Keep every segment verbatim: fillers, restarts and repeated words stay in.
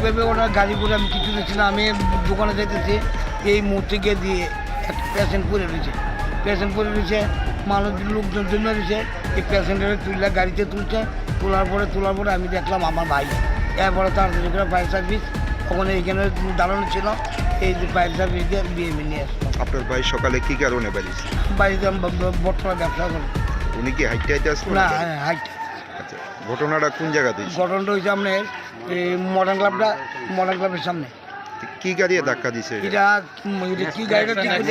ভেবে ওরা গাড়ি করে আমি কিছু দিচ্ছি না, আমি দোকানে যেতেছি, এই মুহূর্তে গিয়ে দিয়ে একটা পেশেন্ট পরে রয়েছে, পেশেন্ট পরে রয়েছে, মানুষ লোকজন জন্য রয়েছে, এই পেশেন্টের তুললে গাড়িতে তুলছে, তোলার পরে তোলার পরে আমি দেখলাম আমার ভাই, এরপরে তাড়াতাড়ি করে ফায়ার সার্ভিস ওখানে এইখানে দাঁড়ানো ছিল, এই যে ফায়ার সার্ভিস দিয়ে বিএমএ নিয়ে আসলাম। আপনার ভাই সকালে কি কারণে বেরিয়েছে? বাড়িতে বর্তমানে ব্যবসা করি। উনি কি হাইটে হাইটে আসলো? না, হাইট। আচ্ছা, ঘটনাটা কোন জায়গাতে হয়েছে? ঘটনাটা হয়েছে আপনার এই মডার্ন ক্লাবটা, মডার্ন ক্লাবের সামনে। কি গাড়ি ধাক্কা দিছে? এটা কি গাড়িটা ঠিক আছে?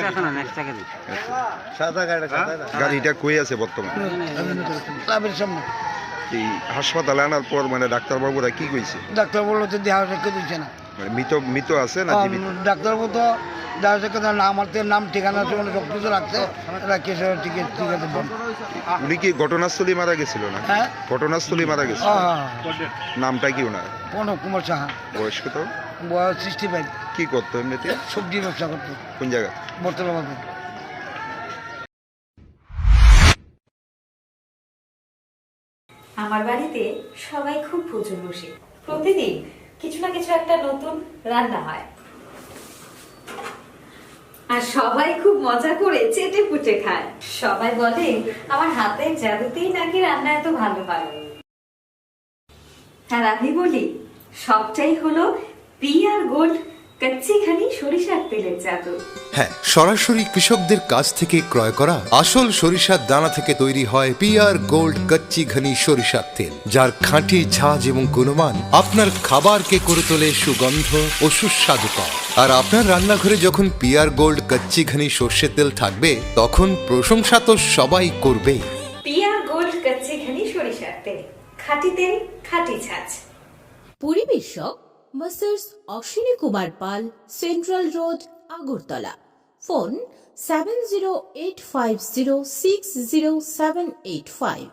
গাড়িটা কই আছে বর্তমানে? ক্লাবের সামনে। এই হাসপাতালে আনার পর মানে ডাক্তারবাবুরা কি কইছে? ডাক্তার বললো তো দেহ রেখে দিচ্ছে না। মানে মৃত মৃত আছে না জীবিত? ডাক্তারবাবু তো দেহ রেখে নাম আছে, নাম ঠিকানা আছে, মানে সব কিছু রাখছে, এটা কেসে ঠিক আছে, ঠিক আছে বল। উনি কি ঘটনাস্থলে মারা গেছিল না? হ্যাঁ, ঘটনাস্থলে মারা গেছিল। নামটা কি ওনার? প্রণব কুমার সাহা। বয়স কত? বয়স সিক্সটি ফাইভ। কি করতো এমনিতে? সবজি ব্যবসা করতো। কোন জায়গা? বর্তলা বাজার। আমার বাড়িতে সবাই খুব প্রচুর বসে, প্রতিদিন কিছু না কিছু একটা নতুন রান্না হয়, আর সবাই খুব মজা করে চেটে পুটে খায়। সবাই বলে আমার হাতের জাদুতেই নাকি রান্না এত ভালো হয়। আর আমি বলি সবটাই হলো পিআর গোল্ড কচ্চিখানি সরিষার তেলের জাদু। হ্যাঁ, সরাসরি কৃষকদের কাছ থেকে ক্রয় করা আসল সরিষার দানা থেকে তৈরি হয় পিআর গোল্ড কচ্চি ঘনি সরিষার তেল, যার খাঁটি ঝাঁজ এবং গুণমান আপনার খাবারকে করে তোলে সুগন্ধ ও সুস্বাদুকর। আর আপনার রান্নাঘরে যখন পিআর গোল্ড কচ্চি ঘনি সর্ষের তেল থাকবে, তখন প্রশংসা তো সবাই করবে। পিআর গোল্ড কচ্চিখানি সরিষার তেল, খাঁটি তেল, খাঁটি ছাঁচ। পরিবেশক masters Ashwini Kumar Pal, central road, Agartala. Phone seven zero eight five zero six zero seven eight five.